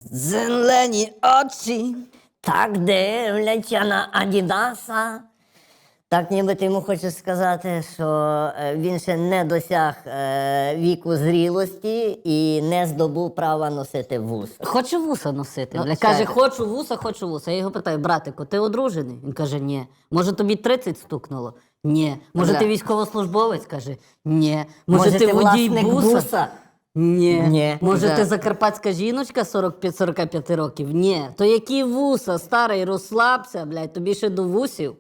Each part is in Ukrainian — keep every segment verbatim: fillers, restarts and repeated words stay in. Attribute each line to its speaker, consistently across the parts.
Speaker 1: Зелені очі так дивляться на Адідаса. Так ніби ти йому хочеш сказати, що е, він ще не досяг е, віку зрілості і не здобув права носити вуса.
Speaker 2: Хоче вуса носити.
Speaker 1: Ну,
Speaker 2: Бля.
Speaker 1: це-
Speaker 2: Каже, хочу вуса, хочу вуса. Я його питаю, братику, ти одружений? Він каже, ні. Може тобі тридцять стукнуло? Ні. Може
Speaker 1: Бля.
Speaker 2: ти військовослужбовець? Каже, ні. Може,
Speaker 1: Може,
Speaker 2: ти
Speaker 1: ти
Speaker 2: водій
Speaker 1: власник
Speaker 2: буса?
Speaker 1: буса?
Speaker 2: Ні.
Speaker 1: Ні.
Speaker 2: Може
Speaker 1: Да.
Speaker 2: ти закарпатська жіночка сорок п'ять сорок п'ять років? Ні. То які вуса, старий, розслабся, блядь, тобі ще до вусів.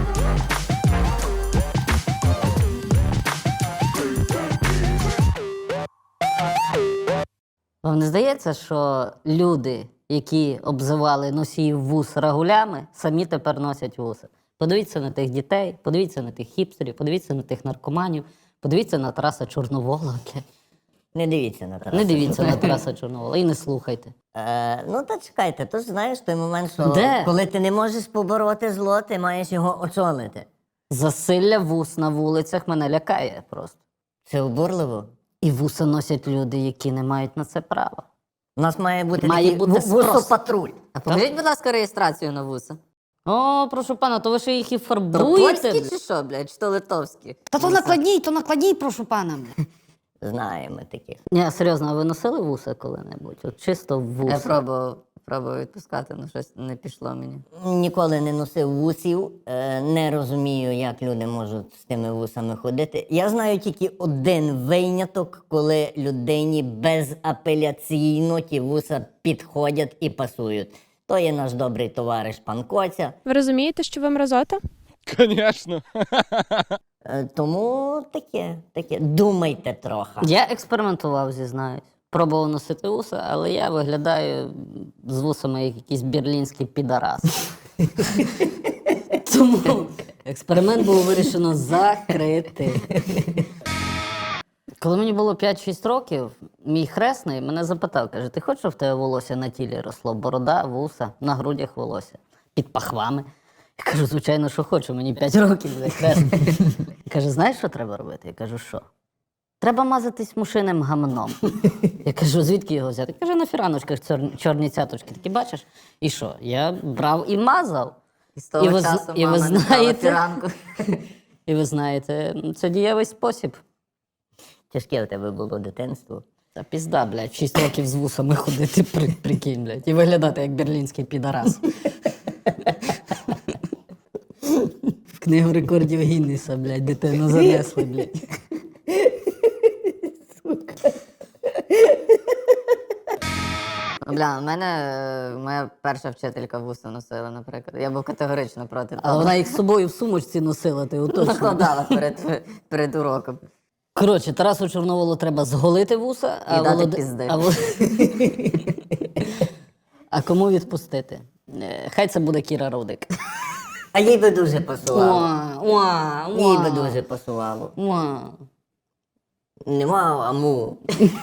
Speaker 2: Вам не здається, що люди, які обзивали носіїв вус рагулями, самі тепер носять вуса? Подивіться на тих дітей, подивіться на тих хіпстерів, подивіться на тих наркоманів, подивіться на Тараса Чорновола. блядь.
Speaker 1: Не дивіться на Тараса.
Speaker 2: Не дивіться на Тараса Чорновола і не слухайте.
Speaker 1: Е, ну та чекайте, то ж знаєш той момент, що
Speaker 2: Де?
Speaker 1: коли ти не можеш побороти зло, ти маєш його очолити.
Speaker 2: Засилля вус на вулицях мене лякає просто.
Speaker 1: Це обурливо.
Speaker 2: І вуса носять люди, які не мають на це права.
Speaker 1: У нас має бути
Speaker 2: Має
Speaker 1: такий
Speaker 2: бути
Speaker 1: ву-
Speaker 2: спрос.
Speaker 1: вусопатруль.
Speaker 3: А покажіть, будь ласка, реєстрацію на вуса.
Speaker 2: О, прошу пана, то ви ще їх і фарбуєте?
Speaker 3: Польські
Speaker 2: блядь?
Speaker 3: чи що, блядь, чи то литовські?
Speaker 2: Та то накладній, то накладній, прошу пана. блядь.
Speaker 1: Знаємо таких.
Speaker 2: Ні, серйозно, а ви носили вуса коли-небудь? От чисто вуса.
Speaker 3: Я пробував, пробував відпускати, але щось не пішло мені.
Speaker 1: Ніколи не носив вусів, е, не розумію, як люди можуть з тими вусами ходити. Я знаю тільки один виняток, коли людині безапеляційно ті вуса підходять і пасують. То є наш добрий товариш пан Коця.
Speaker 4: Ви розумієте, що ви мразота?
Speaker 5: Конечно.
Speaker 1: Е, тому таке, таке. Думайте трохи.
Speaker 2: Я експериментував, зізнаюсь. Пробував носити вуса, але я виглядаю з вусами як якийсь берлінський підарас. Тому експеримент було вирішено закрити. Коли мені було п'ять-шість років, мій хресний мене запитав, каже, ти хочеш, щоб в тебе волосся на тілі росло? Борода, вуса, на грудях волосся, під пахвами. Я кажу, звичайно, що хочу, мені п'ять років, вже хресний. Каже, знаєш, що треба робити? Я кажу, що? Треба мазатись мушиним гамном. Я кажу, звідки його взяти? Каже, на фіраночках чор- чорні цяточки. Такі, бачиш? І що? Я брав і мазав.
Speaker 3: І з того
Speaker 2: І ви з-
Speaker 3: часу
Speaker 2: і ви
Speaker 3: мама не стала
Speaker 2: знаєте-
Speaker 3: тиранку.
Speaker 2: І ви знаєте, це дієвий спосіб.
Speaker 1: Тяжке в тебе було дитинство.
Speaker 2: Та пізда, блядь, шість років з вусами ходити, при, прикинь, блядь, і виглядати як берлінський підарас. В книгу рекордів Гіннеса, блядь, дитину занесли, блядь.
Speaker 3: Бля, у мене е, моя перша вчителька вуса носила, наприклад. Я був категорично проти
Speaker 2: Але
Speaker 3: того.
Speaker 2: вона їх з собою в сумочці носила, ти уточнюй.
Speaker 3: Накладала перед, перед уроком.
Speaker 2: Коротше, Тарасу Чорноволу треба зголити вуса, а,
Speaker 3: І дати
Speaker 2: Володи-
Speaker 3: пізди.
Speaker 2: а, Вол- а кому відпустити? Е, Хай це буде Кіра Рудик.
Speaker 1: А їй би дуже пасувало.
Speaker 2: Уа, уа,
Speaker 1: Їй би
Speaker 2: уа,
Speaker 1: дуже пасувало.
Speaker 2: уа.
Speaker 1: Нема, а му.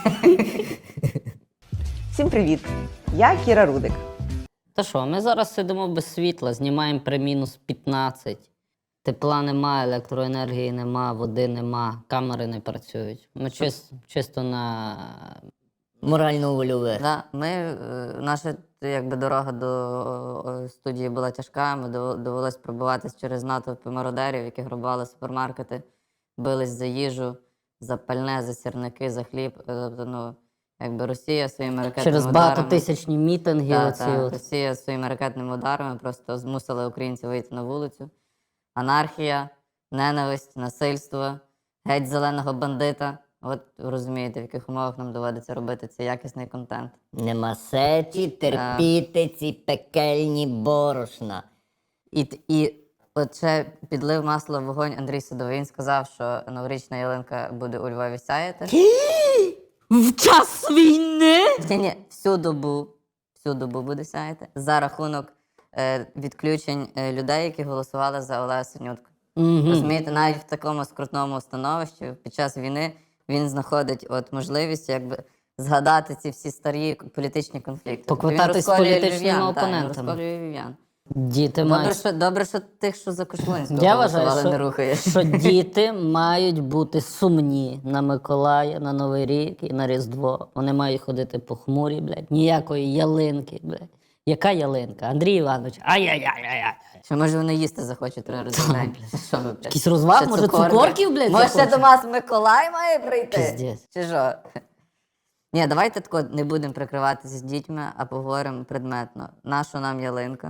Speaker 6: Всім привіт! Я Кіра Рудик.
Speaker 2: Та що, ми зараз сидимо без світла, знімаємо при мінус п'ятнадцять. Тепла нема, електроенергії нема, води нема, камери не працюють. Ми чис- чисто на...
Speaker 1: Морально-вольове.
Speaker 3: Да, ми, е, наша якби, дорога до о, студії була тяжка, ми дов- довелось пробиватись через натовпи мародерів, які грабували супермаркети, бились за їжу, за пальне, за сірники, за хліб. Е, Тобто, ну, якби Росія своїми ракетними
Speaker 2: Через
Speaker 3: ударами...
Speaker 2: багатотисячні мітинги.
Speaker 3: Та,
Speaker 2: оці
Speaker 3: та,
Speaker 2: от.
Speaker 3: Росія своїми ракетними ударами просто змусила українців вийти на вулицю. Анархія, ненависть, насильство, геть зеленого бандита. От ви розумієте, в яких умовах нам доводиться робити цей якісний контент.
Speaker 1: Нема сечі терпіти ці пекельні борошна.
Speaker 3: І, т- і от ще підлив масло в вогонь Андрій Садовий. Він сказав, що новорічна ялинка буде у Львові сяяти.
Speaker 2: В час війни?
Speaker 3: Ні, ні, всю добу, всю добу буде сяяти за рахунок е, відключень е, людей, які голосували за Олега Синютку.
Speaker 2: Угу.
Speaker 3: Розумієте, навіть в такому скрутному становищі під час війни він знаходить от можливість якби згадати ці всі старі політичні конфлікти.
Speaker 2: Поквитатись
Speaker 3: Він розколює
Speaker 2: з політичними
Speaker 3: львів'ян, так, він
Speaker 2: опонентами.
Speaker 3: розколює львів'ян.
Speaker 2: Діти
Speaker 3: Добре,
Speaker 2: мають...
Speaker 3: що, добре, що тих, що за Кошлунського
Speaker 2: Я вважаю,
Speaker 3: голосували, не
Speaker 2: що,
Speaker 3: рухає.
Speaker 2: що діти мають бути сумні на Миколая, на Новий рік і на Різдво. Вони мають ходити похмурі, блядь. Ніякої ялинки, блядь. Яка ялинка? Андрій Іванович, ай-яй-яй-яй.
Speaker 3: Що може вони їсти захочуть три рази в день? Що ви, блядь?
Speaker 2: Якийсь розваг,
Speaker 3: Ще
Speaker 2: може,
Speaker 3: цукорки?
Speaker 2: цукорків, блядь,
Speaker 3: Може, ще
Speaker 2: захочуть?
Speaker 3: до нас Миколай має прийти?
Speaker 2: Пиздець.
Speaker 3: Чи що? Ні, давайте тако не будемо прикриватися з дітьми, а поговоримо предметно. Наша нам ялинка?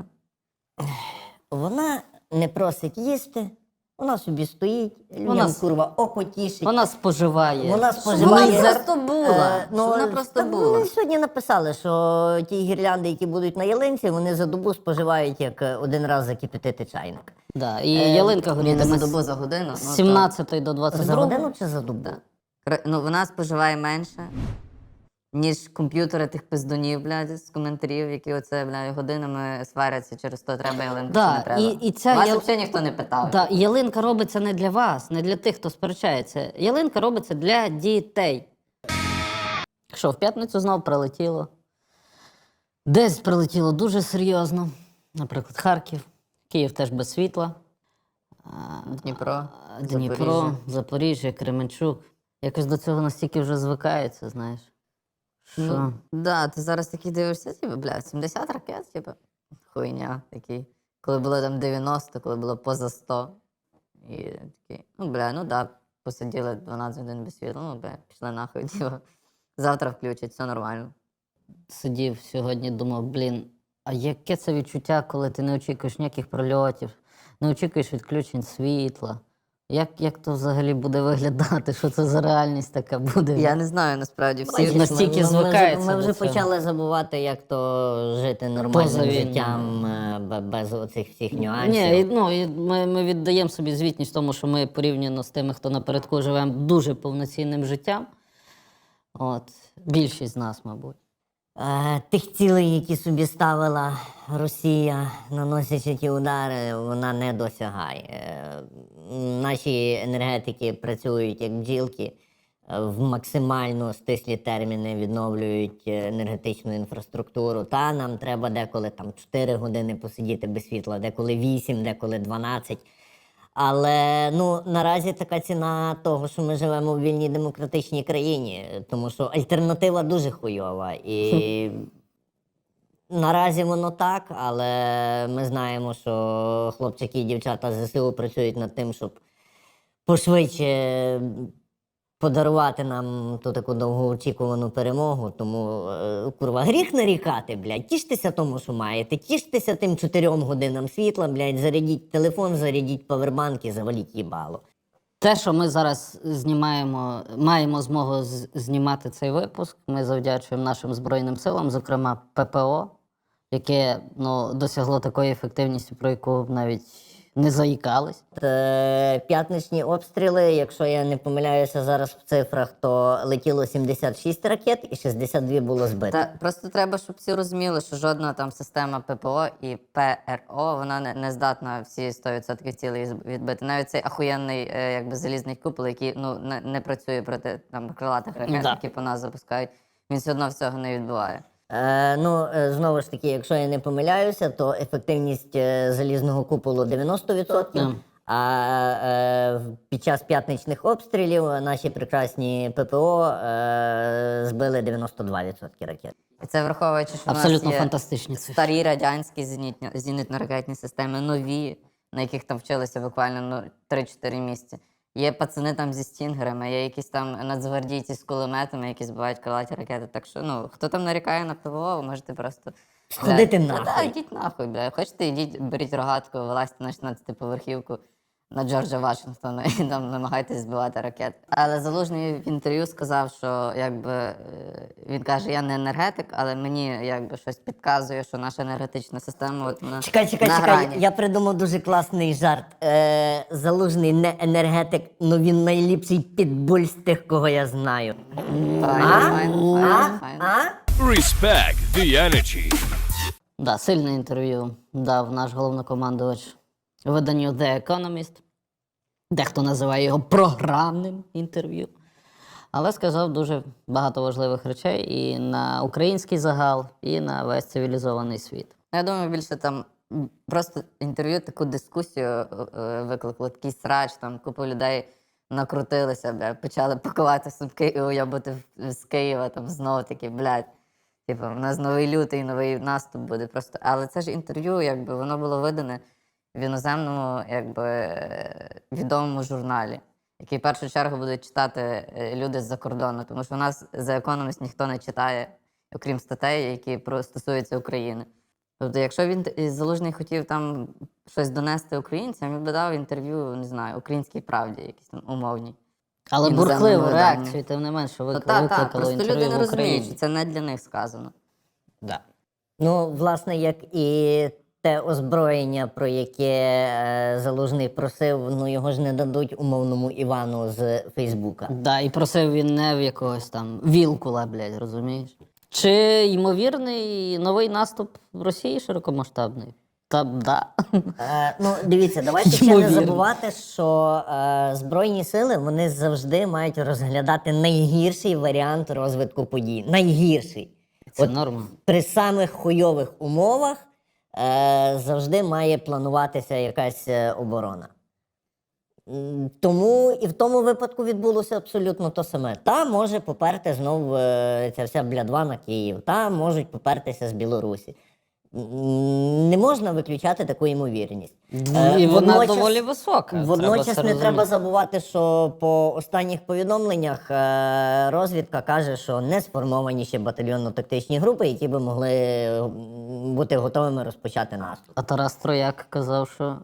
Speaker 1: Вона не просить їсти, вона собі стоїть, людям
Speaker 2: Вона с-
Speaker 1: курва око тішить.
Speaker 2: Вона споживає.
Speaker 1: Вона
Speaker 3: Щоб
Speaker 1: споживає.
Speaker 3: вона просто була.
Speaker 1: Е,
Speaker 3: Щоб вона просто
Speaker 1: так
Speaker 3: була.
Speaker 1: Вони сьогодні написали, що ті гірлянди, які будуть на ялинці, вони за добу споживають як е, один раз закипятити чайник.
Speaker 2: Да. І
Speaker 1: Е,
Speaker 2: ялинка
Speaker 3: Ні, не за
Speaker 2: горітиме
Speaker 3: добу,
Speaker 2: з
Speaker 3: за годину. ну, то-
Speaker 2: сімнадцятої до двадцять
Speaker 1: За
Speaker 2: другої.
Speaker 1: годину чи за добу?
Speaker 3: Кра- Ну, вона споживає менше, ніж комп'ютери тих пиздунів, блядь, з коментарів, які оце, блядь, годинами сваряться, через то треба ялинку,
Speaker 2: Да,
Speaker 3: чи не треба.
Speaker 2: і- і ця
Speaker 3: Вас
Speaker 2: ял-
Speaker 3: взагалі ніхто не питав.
Speaker 2: Да, і ялинка робиться не для вас, не для тих, хто сперечається. Ялинка робиться для дітей. Що, в п'ятницю знов прилетіло. Десь прилетіло дуже серйозно. Наприклад, Харків, Київ теж без світла.
Speaker 3: Дніпро,
Speaker 2: Дніпро,
Speaker 3: Запоріжжя.
Speaker 2: Запоріжжя, Кременчук. Якось до цього настільки вже звикається, знаєш. Що?
Speaker 3: Ну, да, ти зараз такий дивишся, типу, бля, сімдесят ракет, типу, хуйня такий. Коли було там дев'яносто, коли було поза сто. І такий, ну, бля, ну да, посиділи дванадцять годин без світла, ну, бля, пішли нахуй, типу. Завтра включать, все нормально.
Speaker 2: Сидів сьогодні, думав, блін, а яке це відчуття, коли ти не очікуєш ніяких прольотів, не очікуєш відключень світла? Як, як то взагалі буде виглядати? Що це за реальність така буде?
Speaker 3: Я не знаю, насправді, всі...
Speaker 2: Бачиш, настільки
Speaker 1: ми, ми,
Speaker 2: звикається
Speaker 1: Ми вже, ми
Speaker 2: до
Speaker 1: вже
Speaker 2: цього.
Speaker 1: почали забувати, як то жити
Speaker 2: Поза
Speaker 1: нормальним
Speaker 2: війною.
Speaker 1: життям е, бе- без оцих всіх нюансів.
Speaker 2: Ні, і, ну, і ми, ми віддаємо собі звітність тому, що ми порівняно з тими, хто напередку живемо дуже повноцінним життям. От, більшість з нас, мабуть.
Speaker 1: Е, Тих цілей, які собі ставила Росія, наносячи ті удари, вона не досягає. Е, Наші енергетики працюють як бджілки, е, в максимально стислі терміни відновлюють е, енергетичну інфраструктуру. Та нам треба деколи там чотири години посидіти без світла, деколи вісім, деколи дванадцять. Але ну наразі така ціна того, що ми живемо в вільній демократичній країні, тому що альтернатива дуже хуйова. І наразі воно так, але ми знаємо, що хлопчики і дівчата з ЗСУ працюють над тим, щоб пошвидше подарувати нам ту таку довгоочікувану перемогу. Тому, е, курва, гріх нарікати, блядь. Тіштеся тому, що маєте. Тіштеся тим чотирьом годинам світла, блядь, зарядіть телефон, зарядіть павербанк і заваліть їбало.
Speaker 2: Те, що ми зараз знімаємо, маємо змогу з- знімати цей випуск, ми завдячуємо нашим Збройним силам, зокрема ППО, яке ну, досягло такої ефективності, про яку навіть не заїкались.
Speaker 1: Е, П'ятничні обстріли, якщо я не помиляюся зараз в цифрах, то летіло сімдесят шість ракет і шістдесят дві було збито.
Speaker 3: Та просто треба, щоб всі розуміли, що жодна там система ППО і ПРО вона не, не здатна всі сто відсотків цілей з- відбити. Навіть цей ахуєнний е, якби залізний купол, який ну не, не працює проти там крилатих ракет,
Speaker 2: Да.
Speaker 3: які по нас запускають, він все одно всього не відбуває.
Speaker 1: Е, ну, е, знову ж таки, якщо я не помиляюся, то ефективність е, залізного куполу дев'яносто відсотків,
Speaker 2: Мгм.
Speaker 1: а е, в- під час п'ятничних обстрілів наші прекрасні ППО е, збили дев'яносто два відсотки ракет.
Speaker 3: І це враховуючи, що
Speaker 2: Абсолютно
Speaker 3: в нас є
Speaker 2: фантастичні цифри.
Speaker 3: старі радянські зенітні- зенітно-ракетні системи, нові, на яких там вчилися буквально ну, три-чотири місяці. Є пацани там зі стінгерами, є якісь там нацгвардійці з кулеметами, які збивають крилаті ракети. Так що, ну, хто там нарікає на ПВО, ви можете просто...
Speaker 1: Сходити
Speaker 3: Бля,
Speaker 1: нахуй.
Speaker 3: Та, йдіть нахуй, бля. Хочете, йдіть, беріть рогатку, вилазьте на шістнадцятиповерхівку на Джорджа Вашингтона і там намагайтесь збивати ракети. Але Залужний в інтерв'ю сказав, що якби е, він каже, я не енергетик, але мені якби щось підказує, що наша енергетична система от вона
Speaker 1: Чекай, чекай,
Speaker 3: на
Speaker 1: чекай.
Speaker 3: грані.
Speaker 1: Я придумав дуже класний жарт. Е, Залужний не енергетик, але він найліпший підбуль з тих, кого я знаю.
Speaker 3: Файно,
Speaker 1: А?
Speaker 3: файно,
Speaker 1: А?
Speaker 3: файно, файно.
Speaker 1: А?
Speaker 4: Respect the energy.
Speaker 2: Да, сильне інтерв'ю дав наш головнокомандувач виданню The Economist. Дехто називає його програмним інтерв'ю. Але сказав дуже багато важливих речей і на український загал, і на весь цивілізований світ.
Speaker 3: Я думаю, більше там м, просто інтерв'ю, таку дискусію е, е, викликало, такий срач, там купа людей накрутилися, бля, почали пакувати сумки і уйобати в- з Києва, там знову таки, блядь. Типу, у нас новий лютий, новий наступ буде просто. Але це ж інтерв'ю, якби воно було видане в іноземному, якби е, відомому журналі, який в першу чергу будуть читати е, люди з-за кордону, тому що у нас за Economist ніхто не читає, окрім статей, які про стосуються України. Тобто, якщо він т- Залужний хотів там щось донести українцям, він би дав інтерв'ю, не знаю, українській правді, якісь там умовні.
Speaker 2: Але
Speaker 3: Іноземному
Speaker 2: бурхливу
Speaker 3: виданню.
Speaker 2: реакцію, тим не менше,
Speaker 3: Ну,
Speaker 2: вик...
Speaker 3: та, та,
Speaker 2: викликало
Speaker 3: просто
Speaker 2: інтерв'ю
Speaker 3: люди не
Speaker 2: в
Speaker 3: розуміють,
Speaker 2: Україні.
Speaker 3: що це не для них сказано.
Speaker 2: Да.
Speaker 1: Ну, власне, як і те озброєння, про яке е, Залужний просив, ну його ж не дадуть умовному Івану з Фейсбука.
Speaker 2: Да, і просив він не в якогось там Вілкула, блядь, розумієш? Чи ймовірний новий наступ в Росії широкомасштабний? Та да.
Speaker 1: Е, ну, дивіться, давайте ще не
Speaker 2: Ймовірно.
Speaker 1: забувати, що е, Збройні сили вони завжди мають розглядати найгірший варіант розвитку подій. Найгірший.
Speaker 2: Це
Speaker 1: От
Speaker 2: норма.
Speaker 1: при самих хуйових умовах е, завжди має плануватися якась е, оборона. М, Тому і в тому випадку відбулося абсолютно то саме. Та може поперти знов е, ця вся блядва на Київ, та можуть попертися з Білорусі. М, Не можна виключати таку ймовірність. Е,
Speaker 2: І вона
Speaker 1: водночас-
Speaker 2: доволі висока.
Speaker 1: Водночас
Speaker 2: треба це
Speaker 1: не треба
Speaker 2: розуміти.
Speaker 1: забувати, що по останніх повідомленнях е, розвідка каже, що не сформовані ще батальйонно-тактичні групи, які би могли м, бути готовими розпочати наступ.
Speaker 2: А Тарас Трояк казав, що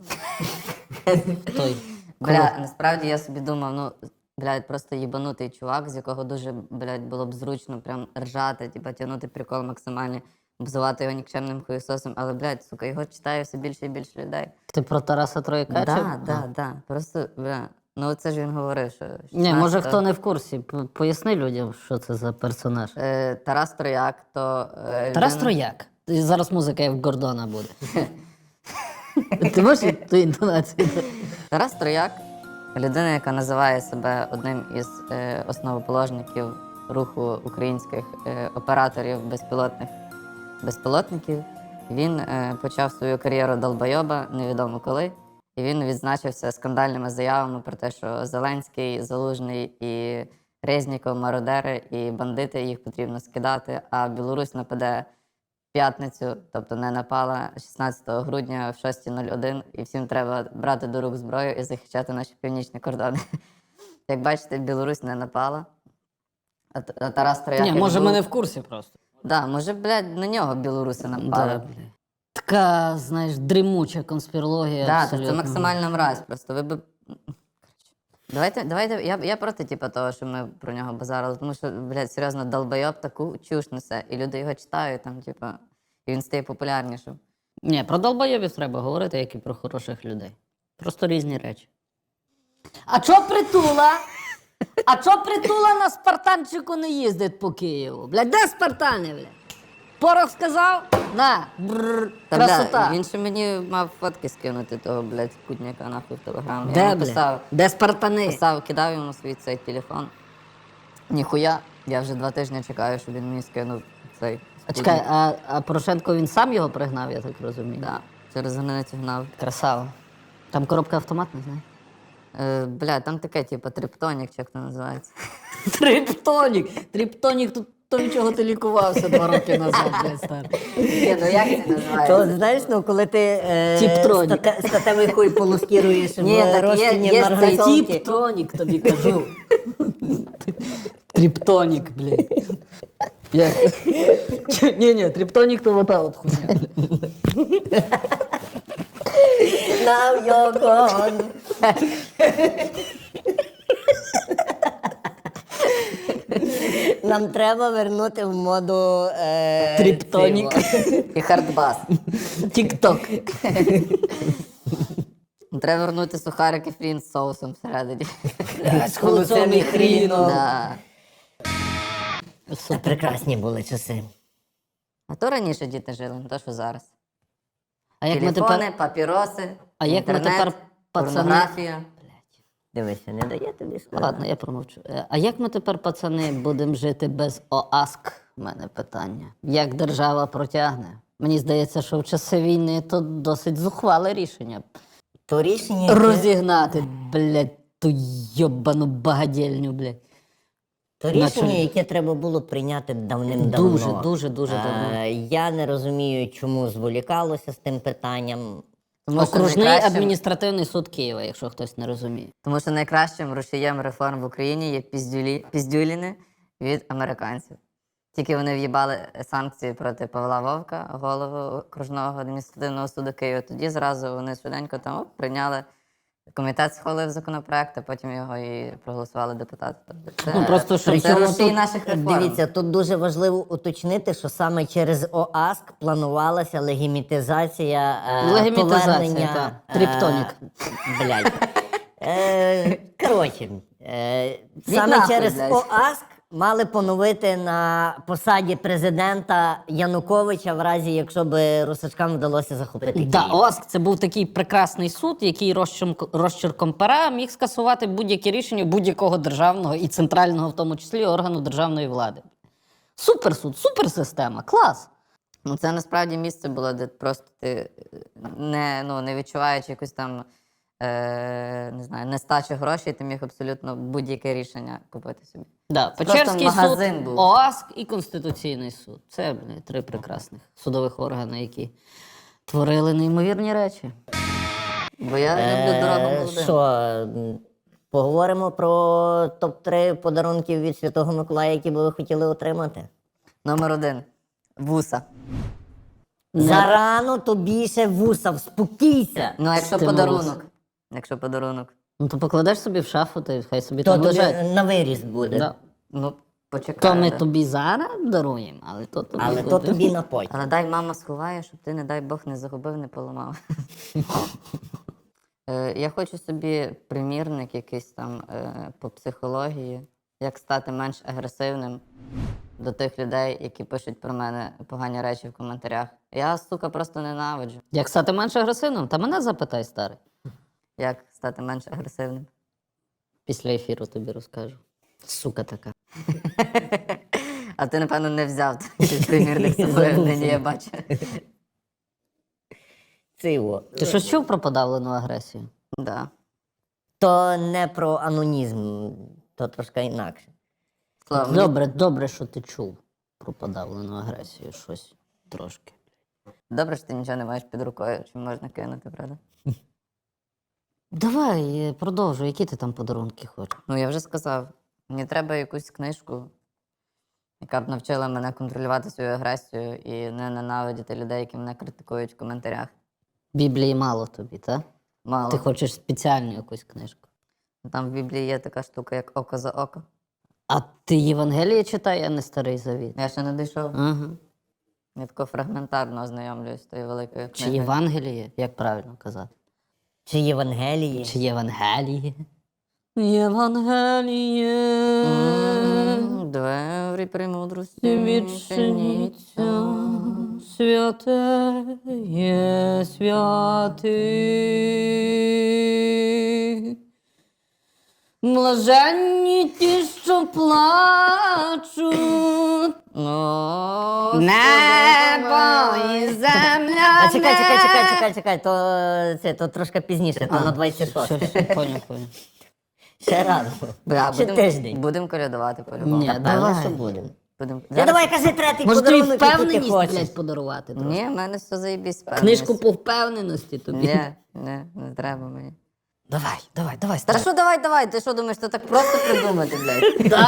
Speaker 2: той.
Speaker 3: Бля, насправді я собі думав, ну, блядь, просто їбанутий чувак, з якого дуже, блядь, було б зручно прям ржати, типа тягнути прикол максимальний, обзивати його нікчемним хуєсосом, але, блядь, сука, його читає все більше і більше людей.
Speaker 2: Ти про Тараса Трояка? чи-
Speaker 3: Так, так, так. Просто, бля, ну це ж він говорив, що...
Speaker 2: Ні, може
Speaker 3: шістнадцятого
Speaker 2: хто не в курсі. П- Поясни людям, що це за персонаж.
Speaker 3: Е, Тарас Трояк, то... е,
Speaker 2: Тарас
Speaker 3: людина-
Speaker 2: Трояк. І зараз музика як в Гордона буде. Ти можеш ту інтонацію?
Speaker 3: Тарас Трояк людина, яка називає себе одним із е, основоположників руху українських е, операторів безпілотних безпілотників. Він е, почав свою кар'єру долбойоба, невідомо коли. І він відзначився скандальними заявами про те, що Зеленський, Залужний і Резніков, мародери і бандити, їх потрібно скидати, а Білорусь нападе в п'ятницю, тобто не напала шістнадцятого грудня в шоста нуль один, і всім треба брати до рук зброю і захищати наші північні кордони. Як бачите, Білорусь не напала. А, Т- а Тарас Трояк...
Speaker 2: Ні,
Speaker 3: як
Speaker 2: може
Speaker 3: був-
Speaker 2: ми не в курсі просто.
Speaker 3: Да, може, блядь, на нього білоруси напали.
Speaker 2: Да, бля. Така, знаєш, дрімуча конспірологія.
Speaker 3: Да, то
Speaker 2: абсолютно.
Speaker 3: це максимальна мразь просто. Ви би... Давайте, давайте, я, я проти типу, того, що ми про нього базарили, тому що, блядь, серйозно, долбойоб таку чуш несе, і люди його читають, там, типу, і він стає популярнішим.
Speaker 2: Ні, про долбойобів треба говорити, як і про хороших людей. Просто різні речі. А чо притула? А чо притула на спартанчику не їздить по Києву? Блядь, де спартани, блядь? Порох сказав? На, бррр,
Speaker 3: Та,
Speaker 2: красота.
Speaker 3: бля, він ще мені мав фотки скинути того, блядь, кутняка нахуй в телеграм. Я
Speaker 2: Де,
Speaker 3: йому
Speaker 2: блядь?
Speaker 3: писав,
Speaker 2: Де спартани?
Speaker 3: писав, кидав йому свій цей телефон. Ніхуя, я вже два тижні чекаю, щоб він мені скинув цей.
Speaker 2: А чекай, а, а Порошенко він сам його пригнав, я так розумію?
Speaker 3: Да, через границю гнав.
Speaker 2: Красава. Там коробка автоматна, знаєш?
Speaker 3: Е, бля, там таке, типу, триптонік, чи як це називається.
Speaker 2: Триптонік. Триптонік, тут то чого ти лікувався два роки назад, блядь, старий.
Speaker 3: Ні, ну як це називається?
Speaker 1: То знаєш, ну коли ти е,
Speaker 2: Тіп-тронік.
Speaker 1: стате- статевий хуй полускіруєш
Speaker 3: Ні,
Speaker 1: в
Speaker 3: так є-
Speaker 1: розчині
Speaker 3: є
Speaker 1: марганцовки.
Speaker 2: Триптонік тобі кажу. Триптонік, блядь. Як? Ні, ні, триптонік то вода от хуйня.
Speaker 1: Now you're gone. Нам треба вернути в моду е,
Speaker 2: Триптонік.
Speaker 1: цього.
Speaker 3: І хардбас.
Speaker 2: Тік-ток.
Speaker 3: Треба вернути сухарики фрін з соусом всередині.
Speaker 1: З холодцем і хріном.
Speaker 3: Да.
Speaker 1: Це прекрасні були часи.
Speaker 3: А то раніше діти жили, не то що зараз.
Speaker 2: А як ми
Speaker 3: Телефони,
Speaker 2: тепер...
Speaker 3: папіроси,
Speaker 2: А як ми
Speaker 3: інтернет,
Speaker 2: тепер, пацани-
Speaker 3: порнографія.
Speaker 1: Дивися, не дає тобі сказати.
Speaker 2: Ладно, я промовчу. Е, А як ми тепер, пацани, будемо жити без ОАСК? У мене питання. Як держава протягне? Мені здається, що в часи війни то досить зухвале рішення.
Speaker 1: То рішення, яке-
Speaker 2: Розігнати, блядь, ту йобану багадільню, блядь.
Speaker 1: То рішення,
Speaker 2: Наче-
Speaker 1: яке треба було прийняти давним-давно.
Speaker 2: Дуже, дуже, дуже
Speaker 1: Е,
Speaker 2: давно.
Speaker 1: Я не розумію, чому зволікалося з тим питанням.
Speaker 3: Тому що
Speaker 2: Окружний
Speaker 3: найкращим-
Speaker 2: адміністративний суд Києва, якщо хтось не розуміє.
Speaker 3: Тому що найкращим рушієм реформ в Україні є піздюлі, піздюліни від американців. Тільки вони в'їбали санкції проти Павла Вовка, голову окружного адміністративного суду Києва. Тоді зразу вони швиденько там оп, прийняли. Комітет схвалив законопроект, а потім його і проголосували депутати. Тобто це,
Speaker 2: Ну, просто, щоб
Speaker 3: це
Speaker 1: Причому
Speaker 3: рушій
Speaker 1: тут,
Speaker 3: наших реформ.
Speaker 1: Дивіться, тут дуже важливо уточнити, що саме через ОАСК планувалася легімітизація е,
Speaker 2: Легімітизація,
Speaker 1: повернення...
Speaker 2: так.
Speaker 1: е,
Speaker 2: Тріптонік.
Speaker 1: Блядь. Е, коротше, е, саме
Speaker 3: нахуй,
Speaker 1: через
Speaker 3: блядь.
Speaker 1: ОАСК мали поновити на посаді президента Януковича в разі, якщо б русачкам вдалося захопити Київ.
Speaker 2: Да, ОАСК це був такий прекрасний суд, який розчерком, розчерком пера міг скасувати будь-які рішення будь-якого державного і центрального, в тому числі, органу державної влади. Суперсуд, суперсистема, клас.
Speaker 3: Ну, це насправді місце було, де просто ти не, ну, не відчуваючи якусь там е, не знаю, нестачу грошей, ти міг абсолютно будь-яке рішення купити собі.
Speaker 2: Да,
Speaker 3: Просто
Speaker 2: Печерський
Speaker 3: магазин
Speaker 2: суд,
Speaker 3: був.
Speaker 2: ОАСК і Конституційний суд. Це бля, три прекрасних судових органи, які творили неймовірні речі.
Speaker 3: Бо я люблю дорогу
Speaker 1: Е,
Speaker 3: молодим.
Speaker 1: Що, м, поговоримо про топ три подарунків від Святого Миколая, які би ви хотіли отримати?
Speaker 3: Номер один. Вуса.
Speaker 1: Зарано тобі ще вуса, вспокійся.
Speaker 3: Ну, а якщо
Speaker 2: Ти
Speaker 3: подарунок?
Speaker 2: молодець.
Speaker 3: Якщо подарунок.
Speaker 2: Ну то покладеш собі в шафу, та хай собі
Speaker 1: То
Speaker 2: там
Speaker 1: тобі
Speaker 2: лежать.
Speaker 1: на виріст буде.
Speaker 2: Да.
Speaker 3: Ну, почекай.
Speaker 2: То ми
Speaker 3: да.
Speaker 2: тобі зараз даруємо, але то тобі
Speaker 1: Але
Speaker 2: буде.
Speaker 1: то тобі на потім.
Speaker 3: Але дай мама сховає, щоб ти, не дай Бог, не загубив, не поламав. Е, Я хочу собі примірник якийсь там е, по психології, як стати менш агресивним до тих людей, які пишуть про мене погані речі в коментарях. Я, сука, просто ненавиджу.
Speaker 2: Як стати менш агресивним? Та мене запитай, старий.
Speaker 3: Як стати менш агресивним.
Speaker 2: Після ефіру тобі розкажу. Сука така.
Speaker 3: А ти, напевно, не взяв такий примірник з собою, нині я бачу.
Speaker 1: Циво.
Speaker 2: Ти щось чув про подавлену агресію?
Speaker 3: Да.
Speaker 1: То не про анонізм, то трошки інакше.
Speaker 3: Слава, мені-
Speaker 2: Добре, добре, що ти чув про подавлену агресію. Щось трошки.
Speaker 3: Добре, що ти нічого не маєш під рукою, чи можна кинути, правда?
Speaker 2: Давай, е, продовжуй, які ти там подарунки хочеш?
Speaker 3: Ну, я вже сказав, мені треба якусь книжку, яка б навчила мене контролювати свою агресію і не ненавидіти людей, які мене критикують в коментарях.
Speaker 2: Біблії мало тобі, так?
Speaker 3: Мало.
Speaker 2: Ти хочеш спеціальну якусь книжку.
Speaker 3: Там в Біблії є така штука, як око за око.
Speaker 2: А ти Євангеліє читай, а не Старий Завіт.
Speaker 3: Я ще не дійшов.
Speaker 2: Ага.
Speaker 3: Я тако фрагментарно ознайомлююсь з тою великою
Speaker 2: Чи
Speaker 3: книгою.
Speaker 2: Євангеліє, як правильно казати?
Speaker 1: Чи Євангелії?
Speaker 2: Чи Євангеліє? Євангеліє.
Speaker 3: М, Двері премудрості
Speaker 2: Відчиніться, святе є святих. Блаженні ті, що плачуть.
Speaker 3: Ну,
Speaker 2: Небо і земля.
Speaker 1: А чекай, чекай, чекай, чекай, чекай, то, це, то трошки пізніше, то на двадцять шосте.
Speaker 2: Поняв, поняв.
Speaker 1: Ще раз.
Speaker 3: Бля,
Speaker 1: Ще
Speaker 3: будем-
Speaker 1: тиждень.
Speaker 3: Будемо колядувати по-любому.
Speaker 2: Ні,
Speaker 1: Певно,
Speaker 2: давай.
Speaker 1: що будемо.
Speaker 3: Будем...
Speaker 1: Я давай кажи третій
Speaker 2: Може тобі
Speaker 1: подарунок, який ти
Speaker 2: впевненість,
Speaker 1: хочеш.
Speaker 2: блядь, подарувати трохи?
Speaker 3: Ні, в мене все заєбісь.
Speaker 2: Книжку по впевненості тобі.
Speaker 3: Ні, ні, не треба мені.
Speaker 2: Давай, давай, давай,
Speaker 3: Та
Speaker 2: старай.
Speaker 3: що давай, давай, ти що думаєш, то так просто придумати, блядь?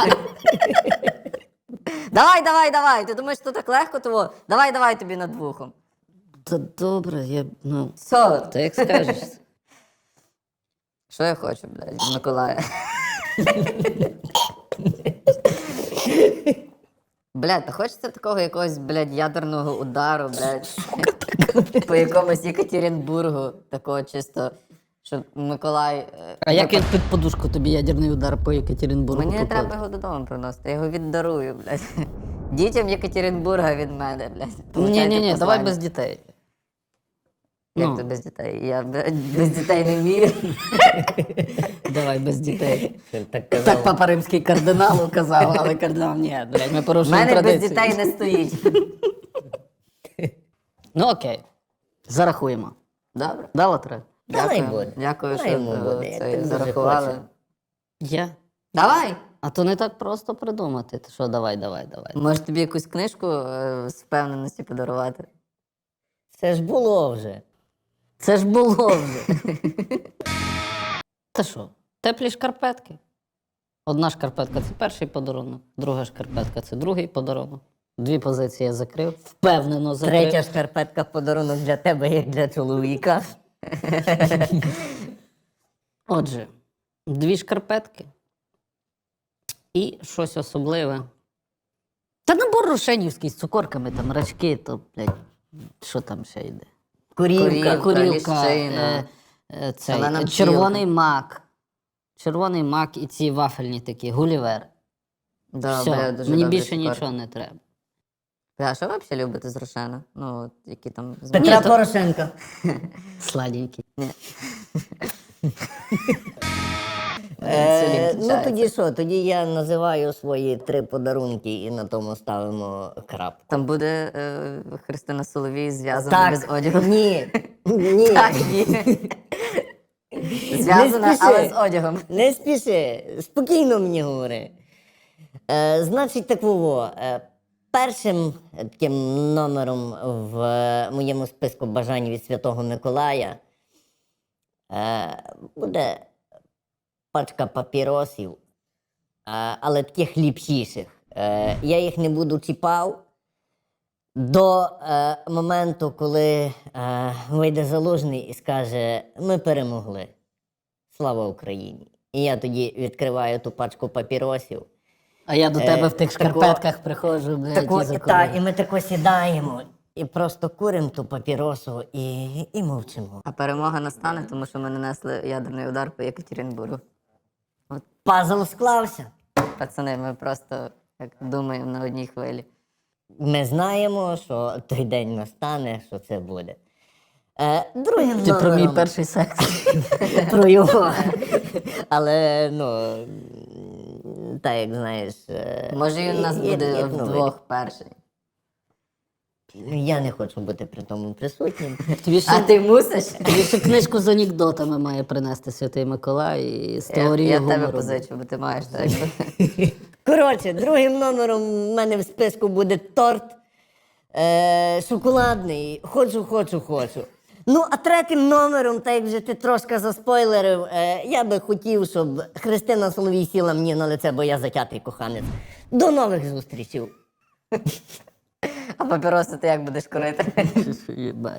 Speaker 3: Давай, давай, давай, ти думаєш, то так легко того? Давай, давай тобі над вухом.
Speaker 2: Та добре, я, ну,
Speaker 3: Все,
Speaker 2: та як скажеш.
Speaker 3: що я хочу, блядь, Миколая? Блядь, та хочеться такого якогось, блядь, ядерного удару, блядь, по якомусь Єкатеринбургу, такого чисто, щоб Миколай... е,
Speaker 2: А як він під подушку тобі ядерний удар по Єкатеринбургу
Speaker 3: Мені не
Speaker 2: попав?
Speaker 3: треба його додому приносити, я його віддарую, блядь. Дітям Єкатеринбурга від мене, блядь.
Speaker 2: Ні,
Speaker 3: Получайте
Speaker 2: ні, ні, давай
Speaker 3: послання.
Speaker 2: без дітей.
Speaker 3: Як
Speaker 2: Ну.
Speaker 3: то без дітей? Я б- без дітей не вмію.
Speaker 2: Давай без дітей.
Speaker 1: Так
Speaker 2: Так
Speaker 1: казав.
Speaker 2: папа римський кардиналу казав, але кардинал ні, блядь, ми
Speaker 3: У
Speaker 2: порушуємо
Speaker 3: мене без
Speaker 2: традицію.
Speaker 3: дітей не стоїть.
Speaker 2: Ну окей. Зарахуємо.
Speaker 3: Добре.
Speaker 2: Дало три?
Speaker 1: Давай
Speaker 3: Дякую.
Speaker 1: буде.
Speaker 3: Дякую,
Speaker 1: Дай
Speaker 3: що
Speaker 1: йому
Speaker 3: е,
Speaker 1: буде, я
Speaker 3: це
Speaker 1: так дуже
Speaker 3: зарахували.
Speaker 1: хочу.
Speaker 2: Я.
Speaker 3: Давай!
Speaker 2: А то не так просто придумати. Ти що, давай, давай, давай.
Speaker 3: Може тобі якусь книжку е, з впевненості подарувати?
Speaker 1: Це ж було вже.
Speaker 2: Це ж було вже. Та що, теплі шкарпетки. Одна шкарпетка це перший подарунок, друга шкарпетка це другий подарунок. Дві позиції я закрив, впевнено закрив.
Speaker 1: Третя шкарпетка подарунок для тебе, як для чоловіка.
Speaker 2: Отже, дві шкарпетки і щось особливе. Та набор рошенівський з цукорками, там рачки, то, блядь, що там ще йде?
Speaker 1: Курівка.
Speaker 3: Курівка. ліщина,
Speaker 2: е, е, цей,
Speaker 3: шалена
Speaker 2: е, червоний мак. Червоний мак і ці вафельні такі, гулівер.
Speaker 3: Да,
Speaker 2: Все,
Speaker 3: бля, дуже
Speaker 2: мені
Speaker 3: добрі
Speaker 2: більше
Speaker 3: цукерки.
Speaker 2: нічого не треба.
Speaker 3: А що ви взагалі любите з Рошена? Ну, от, які там з
Speaker 1: Петра
Speaker 2: Ні, то-
Speaker 1: Порошенка.
Speaker 2: Сладенький.
Speaker 1: Е, ну
Speaker 3: кінчається.
Speaker 1: тоді що? Тоді я називаю свої три подарунки і на тому ставимо крапку.
Speaker 3: Там буде е, Христина Соловій зв'язана
Speaker 1: Так,
Speaker 3: без одягу.
Speaker 1: ні, ні.
Speaker 3: Так, ні. Зв'язана,
Speaker 1: спіши.
Speaker 3: але з одягом.
Speaker 1: Не спіши, спокійно мені говори. Е, значить, такого. Е, першим таким номером в е, моєму списку бажань від Святого Миколая е, буде пачка папіросів, е, але таких ліпшіших. Е, я їх не буду чіпав до е, моменту, коли е, вийде Залужний і скаже: ми перемогли. Слава Україні! І я тоді відкриваю ту пачку папіросів.
Speaker 2: А я до тебе в тих
Speaker 1: тако-
Speaker 2: шкарпетках приходжу, блядь,
Speaker 1: Тако,
Speaker 2: і
Speaker 1: і,
Speaker 2: закурю.
Speaker 1: та, і ми тако сідаємо і просто куримо ту папіросу і, і мовчимо.
Speaker 3: А перемога настане, тому що ми нанесли ядерний удар по Єкатеринбургу.
Speaker 1: Пазл склався.
Speaker 3: Пацани, ми просто як думаємо на одній хвилі.
Speaker 1: Ми знаємо, що той день настане, що це буде. Е, другим
Speaker 2: Ти про мій
Speaker 1: номером-
Speaker 2: перший секс.
Speaker 1: про його. Але, ну, м, так як знаєш. е,
Speaker 3: Може, він у нас
Speaker 1: є-
Speaker 3: буде
Speaker 1: є новий.
Speaker 3: вдвох перший.
Speaker 1: Я не хочу бути при тому присутнім.
Speaker 2: Тобі
Speaker 3: А
Speaker 2: ще,
Speaker 3: ти мусиш?
Speaker 2: тобі ще книжку з анекдотами має принести Святий Миколай і з
Speaker 3: Я,
Speaker 2: теорією
Speaker 3: я тебе
Speaker 2: гумору.
Speaker 3: позичу, бо ти маєш так.
Speaker 1: Коротше, другим номером в мене в списку буде торт е, шоколадний. Хочу, хочу, хочу. Ну, а третім номером, так як вже ти трошки заспойлерив, е, я би хотів, щоб Христина Соловій сіла мені на лице, бо я затятий коханець. До нових зустрічей.
Speaker 3: А папіроси ти як будеш курити?
Speaker 2: Єбать.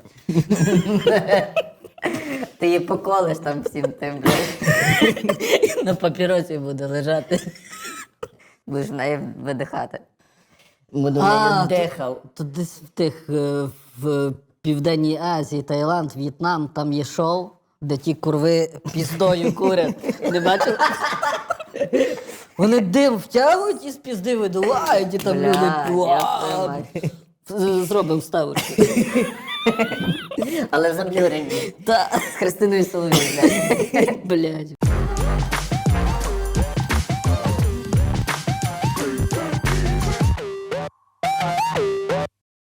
Speaker 3: Ти її поколиш там всім тим, блядь.
Speaker 2: На папіросі буде лежати.
Speaker 3: Будеш в неї видихати.
Speaker 1: Буду
Speaker 2: А,
Speaker 1: нею
Speaker 2: то-
Speaker 1: дихав.
Speaker 2: То десь в тих е, в Південній Азії, Таїланд, В'єтнам, там є шоу, де ті курви піздою курять. Не бачив? Вони дим втягують і з пізди видувають, і там
Speaker 3: Бля,
Speaker 2: люди.
Speaker 3: я
Speaker 2: «Уа!»
Speaker 3: мать.
Speaker 2: З- Зробимо вставочку.
Speaker 1: Але заблюрені.
Speaker 2: Та,
Speaker 3: З Христиною Соловій, блядь.
Speaker 2: блядь.